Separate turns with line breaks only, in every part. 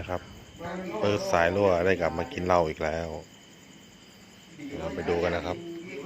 นะครับปืดสายรั่วได้กลับมากินเหล้าอีกแล้วเราไปดูกันนะครับ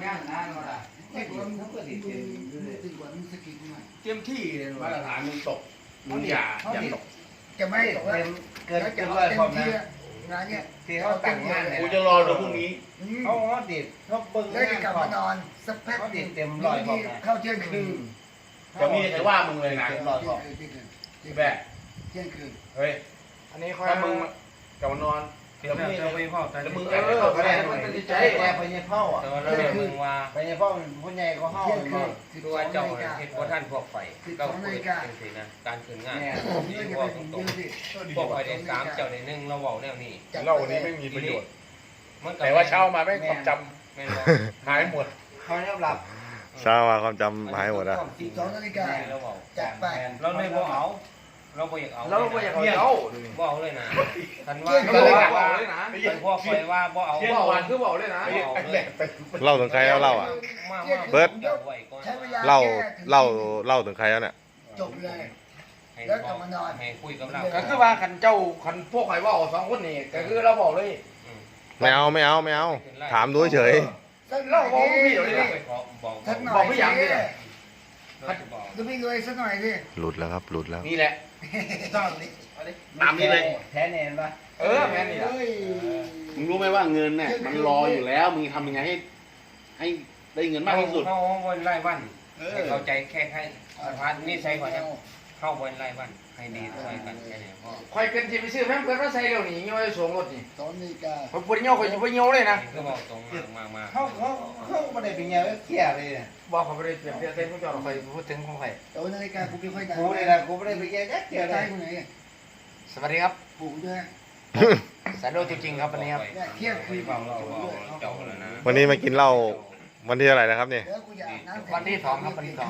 เต็มที่เลยมาตรฐานมึงตกมึงอย่าตก
จะไม่ตกแล้ว
เกินเลยพอนะ
งานเนี้ย
ที่เขาแต่งงานกูจะรอดูพรุ่งนี้เขาดิดเขาเบิ้ง
แล้วจะกลับมานอนสักแป๊บ
ดิดเต็มร้อยพอ
เข้าเที่ยงคืน
จะมีใครว่ามึงเลยนะเต็มร้อยพอแบก
เที่ยงคืน
เฮ้ย
อันนี้ค่อย
ถ้ามึงกลับมานอน
เดี๋ยวมึงจะไปพ่อแต่
มึงแอบเข้าไปได้มันจะใจแอบไปเนี่ยเผาอ่ะ
แต่ว่าเรามึงว่า
ไปเนี่ยเผาผู้ใหญ่ก็เผา
ตัวเจ้าเห็นพวกท่านพวกไฟก็คุยเป็นสินะการคืนงานที่พวกตรงๆพวกไฟได้3เจ้าใน1เราเว้าแนวนี้
เล่าวันนี้ไม่มีประโยชน์แต่ว่าเช้ามาไม่ความจำหายหมดเขาเรียบหลับ
เช้ามาความจำหายหมดอ่ะ
12 นาฬิกาจัดไป
เราไม่บ่เอาเราบ่อยากเอา
เราบ่อยากเอา
บ่เอาเลยนะท่านว่าบ่เอาเลยนะพวกไฟว่าบ่เอา
บ่เอาคือบ่เอาเลยนะ
เล่าถึงใครแล้วเล่าอ่ะเบิร์ดเล่าถึงใครแล้วเนี่ย
จบเลยแล้วกลับมานอน
ให้คุยกับเรา
ก็คือว่าคันเจ้าคันพวกใครว่า2คนนี่ก็คือเราบอกเลย
ไม่เอาถามดูเฉย
เราบอกพี่เดี๋ยวนี้บอกพี่ยังนี่แหละ
ดูพี่ด้วยสักหน่อยสิ
หลุดแล้วครับหลุดแล้ว
นี่แหละต้องนี่ตามนี้เลย
แท้แน่นปะ
แม่นี่แหละ
มึงรู้ไหมว่าเงินเนี่ยมันรออยู่แล้วมึงทำยังไงให้ได้เงินมากที่สุด
เข้าวันไร่วันเข้าใจแค่พาร์ทนี่ใช่ก่อนนะเข้าวันไร่วันให้ดีด้วยกันแค่ไหนพ่อ
คอยเป็นที่ไปซื้อแม่เพื่อนก็ใส่เร็วนี่ย่อยสูงรถนี่
2 นาฬิกา
ผมปวดเงี้ยวคอยอยู่ปวดเงี้ยวเลยนะ
ก็บอกตรงมาก
เขาไม่ได้เป็นเงี้ยวเขี้ยเลยบอกเขาไม่ได้เปลี่ยนเส้นผู้จอดคอยพูดถึงของใคร
2 นาฬิกากูไม่ค่อยดัง
กูเลยนะกูไม่ได้เป็นเงี้ยวเขี้ยเลยสวัสดีครับ
ปู่ด้วย
สายโลจริงๆครับวันนี้ครับ
เที่ยงคืน
วันนี้มากินเหล้าวันที่อะไรนะครับเนี่ย
วันที่2ครับวันที่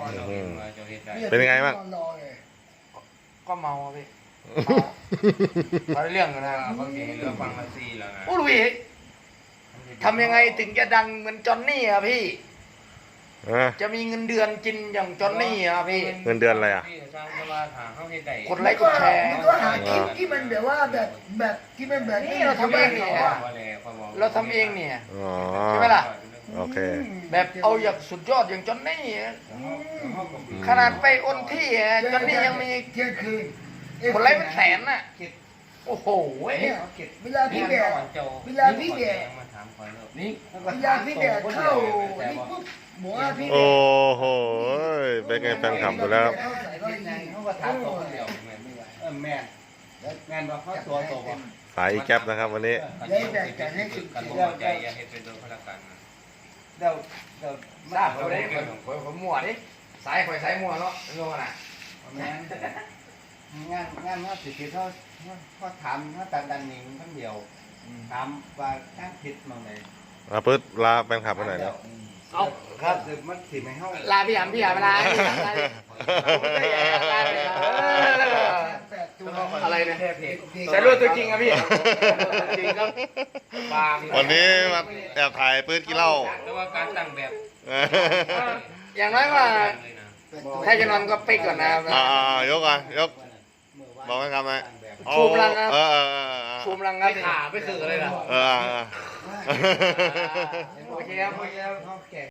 2
เป็นยังไงบ้าง
ก็เมาพี่เรื่องนะ
บางทีเรื่องฟังมาซีแล้วนะ
โอ้ลุยทำยังไงถึงจะดังเหมือนจอนนี่อ่ะพี่จะมีเงินเดือนกินอย่างจอนนี่อ่ะพี่
เงินเดือนอะไรอ่ะ
กดไลค์กดแชร์
ก็หาคลิปที่มันแบบว่าแบบที่มันแบบ
นี้เราทำเองเนี่ยเราทำเองเนี่ยใช่ไหมล่ะ
โอเค
แบบเอาอย่างสุดยอดอย่างจอนนี่ขนาดไปอนที่จอนนี่ยังมี
เที่ยงคืน
คนไลค์เป็นแสนน่ะโอ้โห
เวลาพี่แดดเข้านี่ปุ๊บหมูพี่
โอ้โหเป็นไงแฟนคลับดูแล้วสายอีแก๊ปนะครับวันนี้
ใจอย่าให้เป็นโดนพลังกัน
เดี๋ยวทราบเขาได้ผมมั่วดิสายข่อยสายมั่วเนาะงงน่ะงานว่าสิเขาถามเขาตัดดันนิ่งทั้งเดียวถามว่าการผิดมั้งเลย
ปึ๊ดลาแฟนคลับไปไหนแล้ว
เอาครับมันสิไม่เข้าลาพี่หำลาอะไรเนี่ยใส่รูปตัวจริงครับพี่จริงครับ
วันนี้มาแอบถ่ายปืนกินเหล้า
แต่ว่าการตั้งแบบ
อย่างน้อยว่าถ้าจะนอนก็ปิดก่อนนะ
ยกอ่ะยกบอกให้ทำไหม
ชูมลังครับชูมลังครับขาไม่คือเลยนะ
โอเคครับ